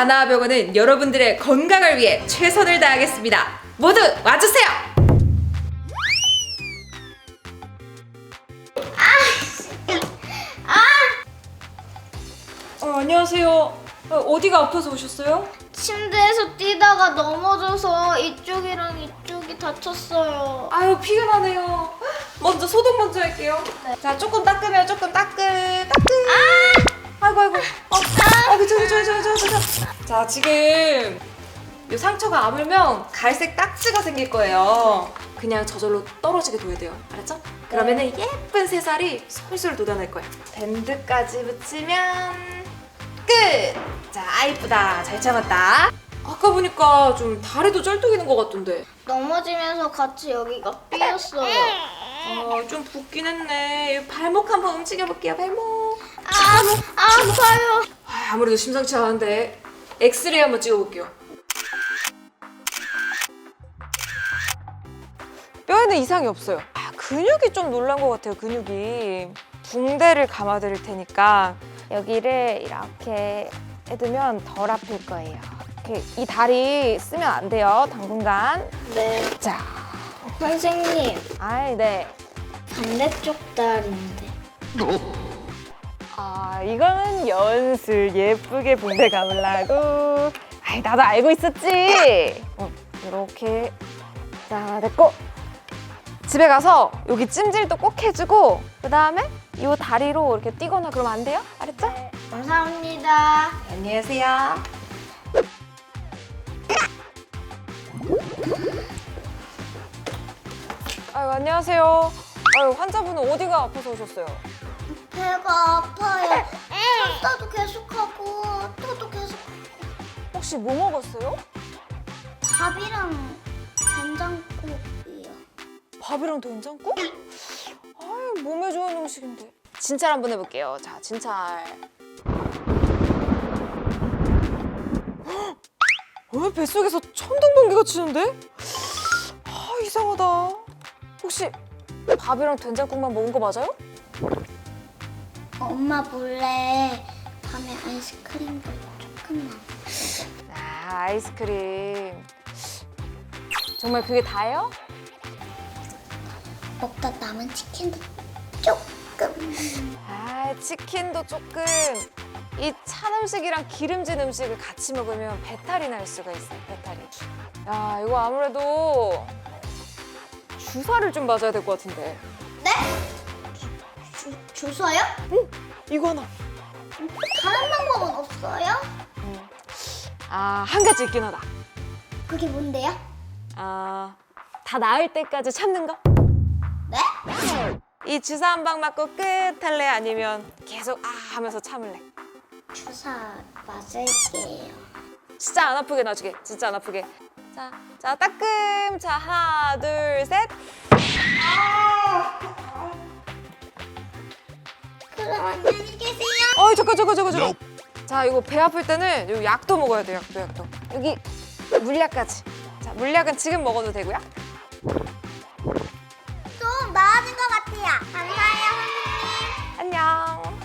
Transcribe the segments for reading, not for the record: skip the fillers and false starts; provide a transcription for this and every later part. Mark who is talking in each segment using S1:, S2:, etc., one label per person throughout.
S1: 다나와병원은 여러분들의 건강을 위해 최선을 다하겠습니다. 모두 와주세요. 안녕하세요. 어디가 아파서 오셨어요?
S2: 침대에서 뛰다가 넘어져서 이쪽이랑 이쪽이 다쳤어요.
S1: 아유, 피곤하네요. 먼저 소독 먼저 할게요.
S2: 네.
S1: 자, 조금 닦으면 조금 따끈. 아이고. 괜찮아. 자, 지금 이 상처가 아물면 갈색 딱지가 생길 거예요. 그냥 저절로 떨어지게 둬야 돼요. 알았죠? 그러면은 예쁜 새살이 솔솔 돋아날 거예요. 밴드까지 붙이면 끝! 자, 이쁘다. 잘 참았다. 아까 보니까 좀 다리도 쩔뚝이는 것 같던데.
S2: 넘어지면서 같이 여기가 삐었어요.
S1: 좀 붓긴 했네. 발목 한번 움직여볼게요. 발목.
S2: 아파요.
S1: 아무래도 심상치 않은데 엑스레이 한번 찍어볼게요. 뼈에는 이상이 없어요. 근육이 좀 놀란 것 같아요. 근육이. 붕대를 감아드릴 테니까 여기를 이렇게 해두면 덜 아플 거예요. 이렇게 이 다리 쓰면 안 돼요. 당분간.
S2: 네.
S1: 자,
S2: 선생님,
S1: 네.
S2: 반대쪽 다리인데.
S1: 이거는 연술 예쁘게 붕대 감으려고. 나도 알고 있었지. 이렇게. 자, 됐고. 집에 가서 여기 찜질도 꼭 해주고 그 다음에 이 다리로 이렇게 뛰거나 그러면 안 돼요? 알았죠?
S2: 네, 감사합니다.
S1: 안녕히 계세요. 안녕하세요. 환자분은 어디가 아파서 오셨어요?
S2: 배가 아파요. 설사도 계속하고 토도 계속.
S1: 혹시 뭐 먹었어요?
S2: 밥이랑 된장국이요.
S1: 밥이랑 된장국? 몸에 좋은 음식인데. 진찰 한번 해볼게요. 자, 진찰. 왜 뱃속에서 천둥번개가 치는데? 이상하다. 혹시 밥이랑 된장국만 먹은 거 맞아요?
S2: 엄마 몰래 밤에 아이스크림도 조금만.
S1: 아이스크림. 정말 그게 다예요?
S2: 먹다 남은 치킨도 조금.
S1: 치킨도 조금. 이 찬 음식이랑 기름진 음식을 같이 먹으면 배탈이 날 수가 있어요. 배탈이. 이거 아무래도 주사를 좀 맞아야 될 것 같은데.
S2: 네? 주사요?
S1: 이거 하나.
S2: 다른 방법은 없어요?
S1: 한 가지 있긴 하다.
S2: 그게 뭔데요?
S1: 다 나을 때까지 참는 거?
S2: 네?
S1: 이 주사 한 방 맞고 끝 할래? 아니면 계속 하면서 참을래?
S2: 주사 맞을게요.
S1: 진짜 안 아프게 놔주게. 진짜 안 아프게. 자, 따끔. 자, 하나, 둘, 셋.
S2: 그럼 안녕히 계세요.
S1: 잠깐. 자, 이거 배 아플 때는 요 약도 먹어야 돼요. 약도. 여기 물약까지. 자, 물약은 지금 먹어도 되고요.
S2: 좀 나아진 것 같아요. 감사해요, 선생님.
S1: 안녕.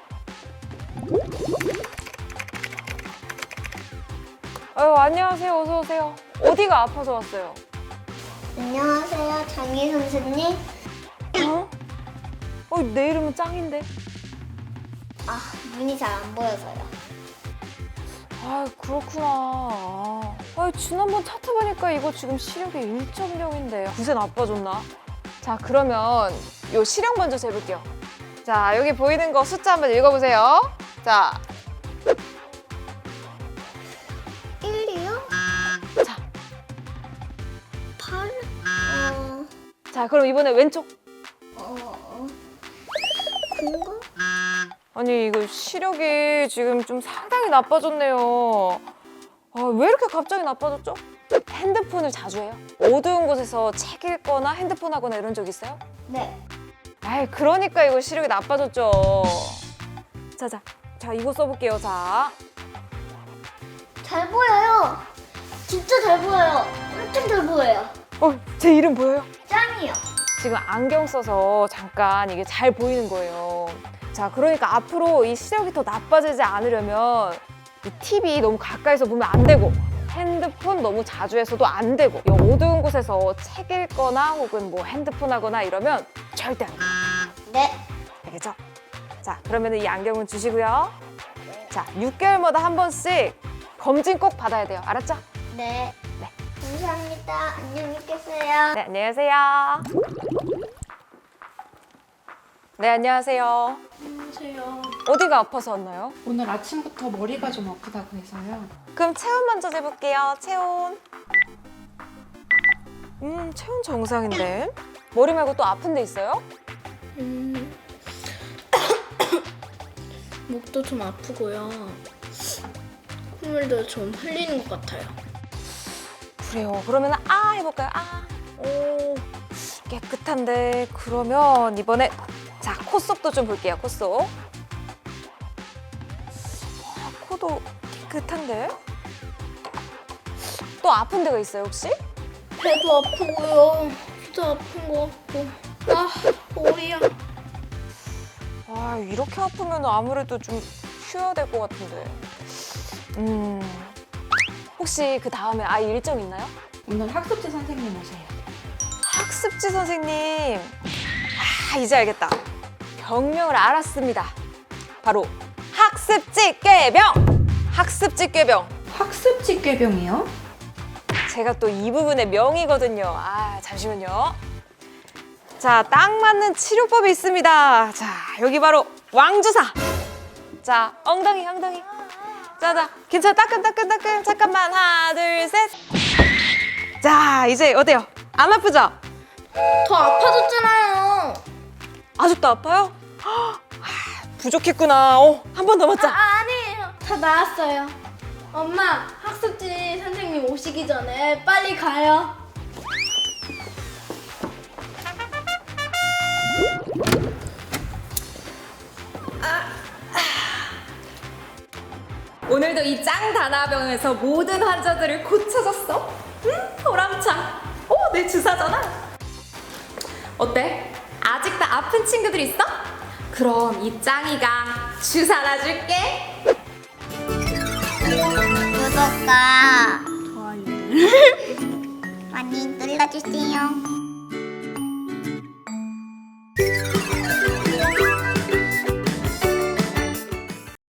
S1: 안녕하세요. 어서 오세요. 어디가 아파서 왔어요?
S2: 안녕하세요, 장희 선생님.
S1: 내 이름은 짱인데.
S2: 눈이 잘 안 보여서요.
S1: 그렇구나. 지난번 차트 보니까 이거 지금 시력이 1.0인데 구세 나빠졌나? 자, 그러면 요 시력 먼저 재볼게요. 자, 여기 보이는 거 숫자 한번 읽어보세요. 자,
S2: 1이요?
S1: 자,
S2: 8?
S1: 자, 그럼 이번에 왼쪽.
S2: 그런가?
S1: 아니, 이거 시력이 지금 좀 상당히 나빠졌네요. 왜 이렇게 갑자기 나빠졌죠? 핸드폰을 자주 해요? 어두운 곳에서 책 읽거나 핸드폰 하거나 이런 적 있어요?
S2: 네.
S1: 그러니까 이거 시력이 나빠졌죠. 자, 이거 써볼게요. 자,
S2: 잘 보여요. 진짜 잘 보여요. 엄청 잘 보여요.
S1: 제 이름 보여요?
S2: 짱이요.
S1: 지금 안경 써서 잠깐 이게 잘 보이는 거예요. 자, 그러니까 앞으로 이 시력이 더 나빠지지 않으려면 이 TV 너무 가까이서 보면 안 되고 핸드폰 너무 자주 해서도 안 되고 이 어두운 곳에서 책 읽거나 혹은 뭐 핸드폰 하거나 이러면 절대 안 돼요.
S2: 네.
S1: 알겠죠? 자, 그러면 이 안경은 주시고요. 자, 6개월마다 한 번씩 검진 꼭 받아야 돼요. 알았죠?
S2: 네.
S1: 네.
S2: 감사합니다. 안녕히 계세요.
S1: 네, 안녕하세요. 네, 안녕하세요.
S3: 안녕하세요.
S1: 어디가 아파서 왔나요?
S3: 오늘 아침부터 머리가 좀 아프다고 해서요.
S1: 그럼 체온 먼저 재볼게요. 체온. 체온 정상인데? 머리 말고 또 아픈 데 있어요?
S4: 목도 좀 아프고요. 콧물도 좀 흘리는 것 같아요.
S1: 그래요. 그러면 아 해볼까요? 아. 오, 깨끗한데. 그러면 이번에 자, 콧속도 좀 볼게요. 콧속. 코도 깨끗한데? 또 아픈 데가 있어요, 혹시?
S4: 배도 아프고요. 귀도 아픈 것 같고. 아, 머리야.
S1: 아, 이렇게 아프면 아무래도 좀 쉬어야 될 것 같은데. 혹시 그 다음에 아이 일정 있나요?
S3: 오늘 학습지 선생님 오세요.
S1: 학습지 선생님. 아, 이제 알겠다. 병명을 알았습니다. 바로 학습지 꾀병. 학습지 꾀병.
S3: 학습지 꾀병이요?
S1: 제가 또 이 부분의 명이거든요. 아, 잠시만요. 자, 딱 맞는 치료법이 있습니다. 자, 여기 바로 왕주사. 자, 엉덩이. 자, 괜찮아. 따끈. 잠깐만. 하나, 둘, 셋. 자, 이제 어때요? 안 아프죠?
S4: 더 아파졌잖아요.
S1: 아직도 아파요? 아, 부족했구나. 한 번 더 맞자.
S4: 아니에요. 다 나았어요. 엄마, 학습지 선생님 오시기 전에 빨리 가요.
S1: 오늘도 이 짱 다나병에서 모든 환자들을 고쳐줬어. 보람차. 내 주사잖아. 어때? 아직도 아픈 친구들 있어? 그럼 이 짱이가 주사 놔줄게.
S2: 구독과 좋아요 많이 눌러주세요.